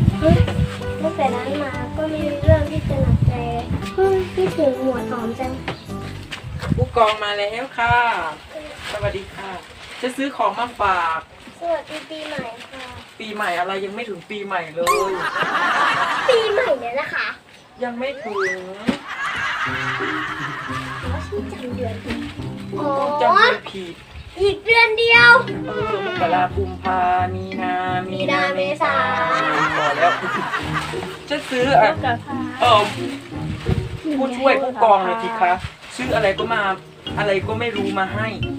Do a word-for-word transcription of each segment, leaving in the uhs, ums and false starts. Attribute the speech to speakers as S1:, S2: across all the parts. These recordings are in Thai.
S1: ตั้งแต่นั้นมาก็ไม่มีเรื่องที่จะหนักใจเลยเฮ้ยพี่ถึงหัวหอมจัง
S2: ผู้กองมาแล้วค่ะ สวัสดีค่ะ จะซื้อของมาฝาก
S1: สวัสดีปีใหม่ค่ะ
S2: ปีใหม่อะไรยังไม่ถึงปีใหม่เลย
S1: ปีใหม่เนี่ยนะคะ
S2: ยังไม่ถึง
S1: แล้วฉันจำเดือนผิดอ๋อ
S2: จำเลยผิด
S1: อีกเดือนเดียว
S2: เออมกรากุมภามีนามีนาเมษาพอแล้ว จะซื้ออ่ะเออผู้ช่วยผู้กองเลยทีคะซื้ออะไรก็มาอะไรก็ไม่รู้มาให้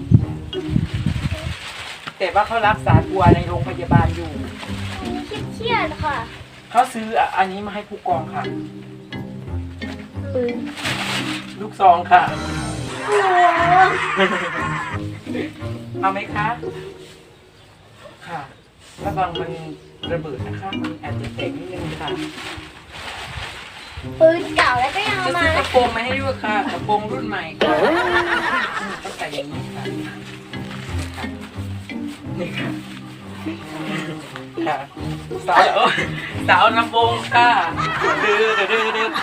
S2: แต่ว่าเขารักษาตัวในโรงพยาบาลอยู่
S1: เครียดๆค่ะ
S2: เขาซื้ออันนี้มาให้ผู้กองค่ะ
S1: ปืน
S2: ลูกซองค่ะ
S1: โอ้
S2: เอาไหมคะ ค่ะระวังมันระเบิดนะคะมันอาจจะแตกนิดนึงค่ะ
S1: ปืนเก่าแล้วก็ยังเอา
S2: จะ
S1: มา
S2: ซื้อกระโปรงมาให้ด้วยค่ะกระโปรงรุ่นใหม่ค่ะต้องใส่อย่างนี้ค่ะนี่ค่ะค่ะสาวสาวลำโพงค่ะดื้อดื้อดื้อดื้อ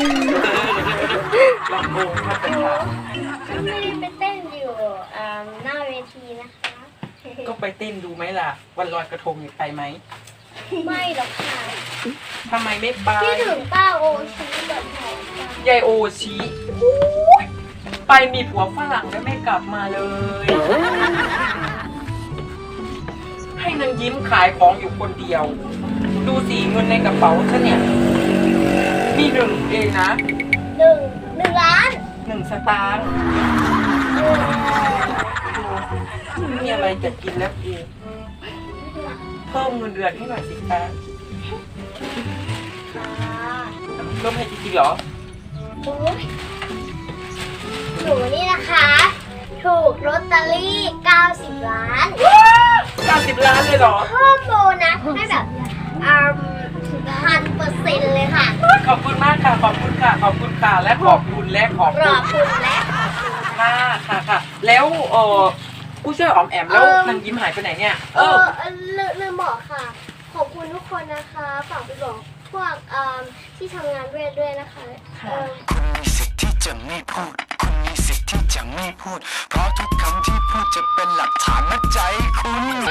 S2: ลำโพงค่ะเป็นค่ะ
S1: ไม่ได้ไปเต้นอยู่อ่าหน้าเวทีนะคะ
S2: ก็ไปเต้นดูไหมล่ะ วันลอยกระทงนี่ไปไหม
S1: ไม่หรอกค่ะ
S2: ทำไมไม่ไป
S1: พี่ถึงป้าโอชีแบบไหนกัน
S2: ยายโอชีไปมีผัวฝรั่งแล้วไม่กลับมาเลย ให้นางยิ้มขายของอยู่คนเดียว ดูสิเงินในกระเป๋าฉันเนี่ย มีหนึ่งเองนะ
S1: หนึ่งหนึ่งล้าน
S2: หนึ่งสตางค์ดูมีอะไรจะกินแล้วกูเพิ่มเงินเดือนให้หน่อยสิคะ
S1: ค่ะ
S2: เพิ่มให้จริงๆเหรอ
S1: โอ้ยหนูนี่นะคะ ถูกลอตเตอรี่เก้าสิบล้าน
S2: เก้าสิบล้านเลยเหรอ
S1: เพิ่มโบนัสให้แบบอ่าพันเปอร์เซ็นต์เลยค่ะ
S2: ขอบคุณมากค่ะ ขอบคุณค่ะ ขอบคุณค่ะ และขอบคุณและขอบ
S1: ข
S2: คุ
S1: อ
S2: ณ
S1: บคุณและ
S2: ค่ะค่ะค่ะ แล้วเออผู้ช่วยอ๋อมแอมแล้ว
S1: เอิ่ม
S2: นางยิ้มหายไปไหนเนี่ย
S1: เออเออลืมลืมบอกค่ะ ขอบคุณทุกคนนะคะฝากไปบอกพวกอ่าที่ทำงานด้วยด้วยนะคะเออ
S3: คุณมีสิทธิ์ที่จะไม่พูด คุณมีสิทธิ์ที่จะไม่พูด เพราะทุกคำที่พูดจะเป็นหลักฐานมัดใจคุณ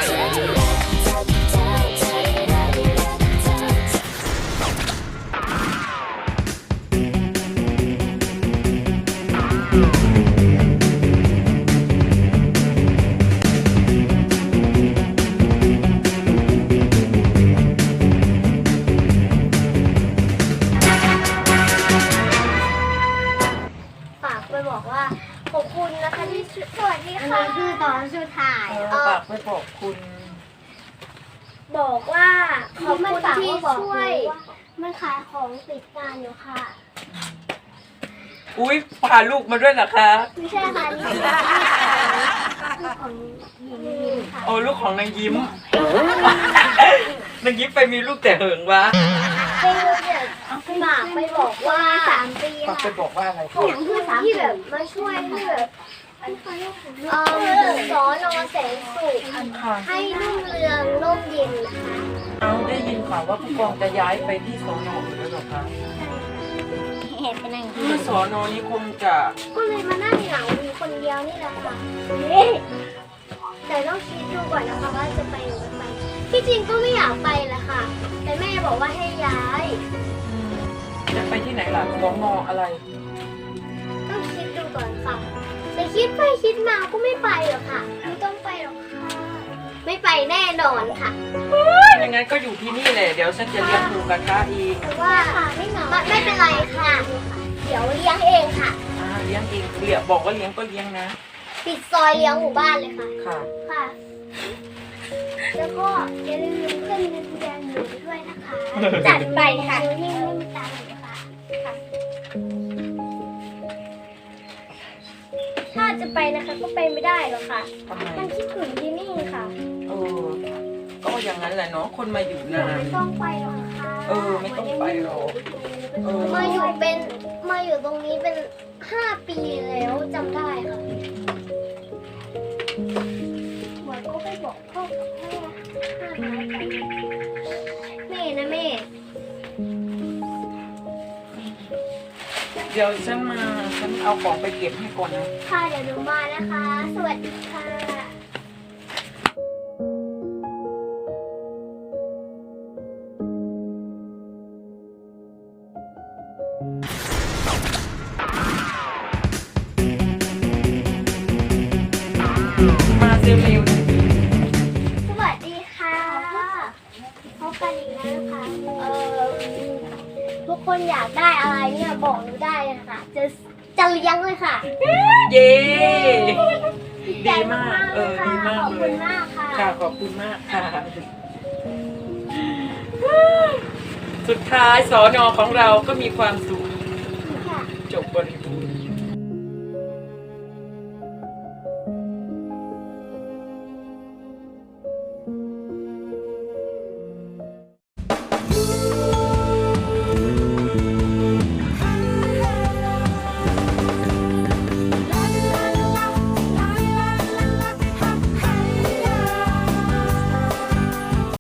S1: ฝากไปบอกว่าขอบคุณนะคะที่ช่วยสวัสดีค่ะคือตอนสุดท้าย
S2: เออฝากไปบอกคุณ
S1: บอกว่าขอบคุณที่ช่วยมันขายของปิดงานอยู่ค่ะ
S2: อุ้ยพาลูกมาด้วยนะคะ
S1: ไม่ใช่ค่ะนี่คือของหญิงยิมค่ะ
S2: โอ้ลูกของนางยิ้ม นางยิ้มไปมีลูกแต่เหิงวะ
S1: เป็นเนี่ยฝากไปบอกว่าสามปี
S2: ฝากไป
S1: ค่ะ
S2: บอกว่าอะไร
S1: ผมคือที่แบบมาช่วยที่แบบเอ่อสอนอแสงสุข
S2: ค่ะ
S1: ให้รุ่งเรืองร่มเย็นนะคะ
S2: เอาได้ยินข่าวว่าผู้กองจะย้ายไปที่สอนออยู่แล้วเหรอคะ
S1: เห็นเป็นอย่าง
S2: คือสอนอนี้คงจะ
S1: ก็เลยมานั่งเหงาอยู่คนเดียวนี่แหละค่ะแต่ต้องคิดดูก่อนนะคะว่าจะไปหรือไม่ไปที่จริงก็ไม่อยากไปแหละค่ะ แต่แม่บอกว่าให้ย้าย
S2: อืมจะไปที่ไหนล่ะสอนออะไร
S1: ต้องคิดดูก่อนค่ะ แต่คิดไปคิดมาก็ไม่ไปหรอกค่ะ ไม่ต้องไปหรอกค่ะ ไม่ไปแน่นอนค่ะ
S2: อย่างนั้นก็อยู่ที่นี่แหละ เดี๋ยวฉันจะเลี้ยงหมูกระทะเอง
S1: แต่ว่าไม่เหงาไม่เป็นไรค่ะ เดี๋ยวเลี้ยงเองค่ะ
S2: อ่าเลี้ยงเองเลี้ยงบอกว่าเลี้ยงก็เลี้ยงนะ
S1: ปิดซอยเลี้ยงหมู่บ้านเลยค่ะ
S2: ค่ะ
S1: ค่ะ แล้วก็อย่าลืมขึ้นเงินแดงหนูด้วยนะคะ จัดไปค่ะนิ่งๆไม่มีตังค์หนูค่ะค่ะ ถ้าจะไปนะคะก็ไปไม่ได้หรอกค่ะ
S2: ทำไม
S1: มันคิดถึงที่นี่ค่ะ
S2: เออ ก็อย่างนั้นแหละเนาะ คนมาอยู่
S1: หนู
S2: นาน
S1: ไม่ต้องไปหรอกค่ะ
S2: เออไม่ต้องไปหรอกเออ
S1: มาอยู่เป็นมาอยู่ตรงนี้เป็นห้าปีแล้วจำได้ค่ะเหมือนก็ไปบอกพ่อกับแม่ห้าปีไปแม่นะแม่
S2: เดี๋ยวฉันมาฉันเอาของไปเก็บให้ก่อนนะ
S1: ค่ะเดี๋ยวหนูมานะคะ สวัสดีค่ะ
S2: มาเร็ว
S1: สวัสดีค่ะพบกันอีกแล้วนะคะเอ่อทุกคนอยากได้อะไรเนี่ยบอกหนูได้เลยค่ะ จะจะเลี้ยงเลยค่ะ
S2: ๆเย้ดีมากเออดีมาก
S1: ขอบ
S2: เล
S1: คุณ
S2: ย
S1: มากค่ะ
S2: ค่ะขอบคุณมากค่ะ สุดท้ายสอนอของเราก็มีความสุข
S1: ค่ะ
S2: จบบริ